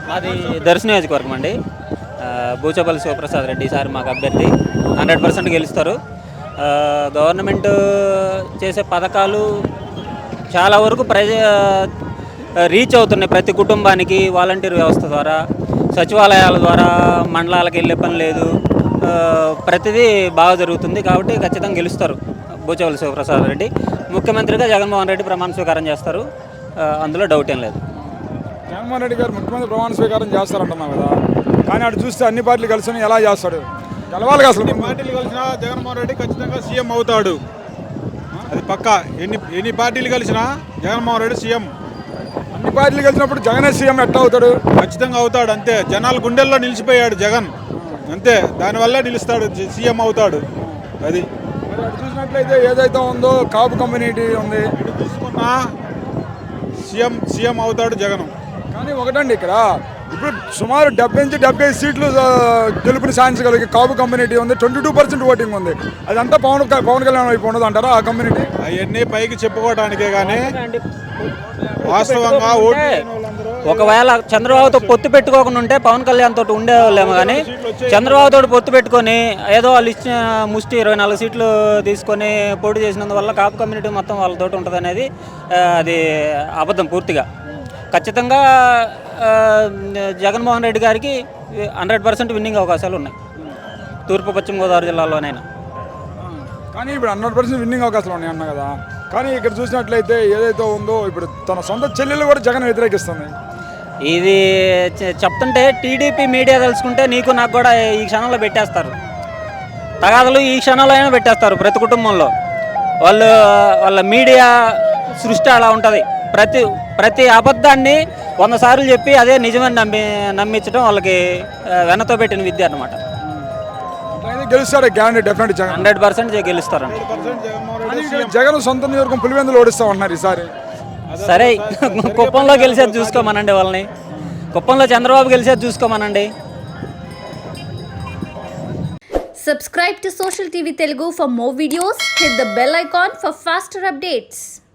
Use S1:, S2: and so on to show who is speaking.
S1: మాది దర్శన నియోజకవర్గం అండి. బూచపల్లి శివప్రసాద్ రెడ్డి సార్ మాకు అభ్యర్థి 100% గెలుస్తారు. గవర్నమెంట్ చేసే పథకాలు చాలా వరకు రీచ్ అవుతున్నాయి ప్రతి కుటుంబానికి. వాలంటీర్ వ్యవస్థ ద్వారా, సచివాలయాల ద్వారా మండలాలకు వెళ్ళే పని లేదు. ప్రతిదీ బాగా జరుగుతుంది కాబట్టి ఖచ్చితంగా గెలుస్తారు బూచపల్లి శివప్రసాద్ రెడ్డి. ముఖ్యమంత్రిగా జగన్మోహన్ రెడ్డి ప్రమాణ స్వీకారం చేస్తారు, అందులో డౌట్ ఏం లేదు.
S2: జగన్మోహన్ రెడ్డి గారు ముఖ్యమంత్రి ప్రమాణ స్వీకారం చేస్తారంటున్నాం కదా, కానీ అటు చూస్తే అన్ని పార్టీలు కలిసి ఎలా చేస్తాడు? గెలవాలి అసలు.
S3: అన్ని పార్టీలు కలిసినా జగన్మోహన్ రెడ్డి ఖచ్చితంగా సీఎం అవుతాడు, అది పక్కా. ఎన్ని పార్టీలు కలిసినా జగన్మోహన్ రెడ్డి సీఎం.
S2: అన్ని పార్టీలు కలిసినప్పుడు జగనే సీఎం ఎట్లా అవుతాడు?
S3: ఖచ్చితంగా అవుతాడు, అంతే. జనాల గుండెల్లో నిలిచిపోయాడు జగన్, అంతే. దానివల్లే నిలుస్తాడు, సీఎం అవుతాడు. అది
S2: మరి అటు చూసినట్లయితే ఏదైతే ఉందో కాపు కమ్యూనిటీ ఉంది,
S3: ఇటు తీసుకున్నా సీఎం అవుతాడు జగన్.
S2: కానీ ఒకటండి, ఇక్కడ ఇప్పుడు సుమారు 70 నుంచి 75 సీట్లు గెలుపుని సాధించగలిగే కాపు కమ్యూనిటీ ఉంది. 22% ఓటింగ్ ఉంది. అదంతా పవన్ కళ్యాణ్ వైపు ఉండదు అంటారా ఆ కమ్యూనిటీ?
S3: అవన్నీ పైకి చెప్పుకోవడానికే కానీ వాస్తవంగా ఓటు
S1: ఒకవేళ చంద్రబాబుతో పొత్తు పెట్టుకోకుండా ఉంటే పవన్ కళ్యాణ్ తోటి ఉండేవాళ్ళేమో, కానీ చంద్రబాబు తోటి పొత్తు పెట్టుకొని ఏదో వాళ్ళు ఇచ్చిన ముష్టి 24 సీట్లు తీసుకొని పోటీ చేసినందువల్ల కాపు కమ్యూనిటీ మొత్తం వాళ్ళతోటి ఉంటుంది అనేది అది అబద్ధం పూర్తిగా. ఖచ్చితంగా జగన్మోహన్ రెడ్డి గారికి 100% విన్నింగ్ అవకాశాలు ఉన్నాయి తూర్పు పశ్చిమ గోదావరి జిల్లాలోనైనా.
S2: కానీ ఇప్పుడు 100% విన్నింగ్ అవకాశాలు ఉన్నాయి అన్న కదా, కానీ ఇక్కడ చూసినట్లయితే ఏదైతే ఉందో ఇప్పుడు తన సొంత చెల్లెలు కూడా జగన్ వ్యతిరేకిస్తుంది.
S1: ఇది చెప్తుంటే టీడీపీ మీడియా తెలుసుకుంటే నీకు నాకు కూడా ఈ క్షణంలో పెట్టేస్తారు, తగాదలు ఈ క్షణంలో అయినా పెట్టేస్తారు. ప్రతి కుటుంబంలో వాళ్ళ మీడియా సృష్టి అలా ఉంటుంది. ప్రతి అబద్ధాన్ని 100 సార్లు చెప్పి అదే నిజమని నమ్మించడం వాళ్ళకి వెనతో పెట్టిన విద్య అన్నమాట.
S2: గెలుస్తాడు గ్యారంటీ, డెఫినెట్ జగన్
S1: 100% గెలుస్తారండి.
S2: జగన్ సొంత నియోజకవర్గం పులివెందులు ఓడిస్తామన్నారు ఈసారి.
S1: సరే, కుప్పంలో గెలిచేది చూసుకోమనండి వాళ్ళని, కుప్పంలో చంద్రబాబు గెలిచేది చూసుకోమనండి.
S4: Subscribe to Social TV Telugu for more videos. Hit the bell icon for faster updates.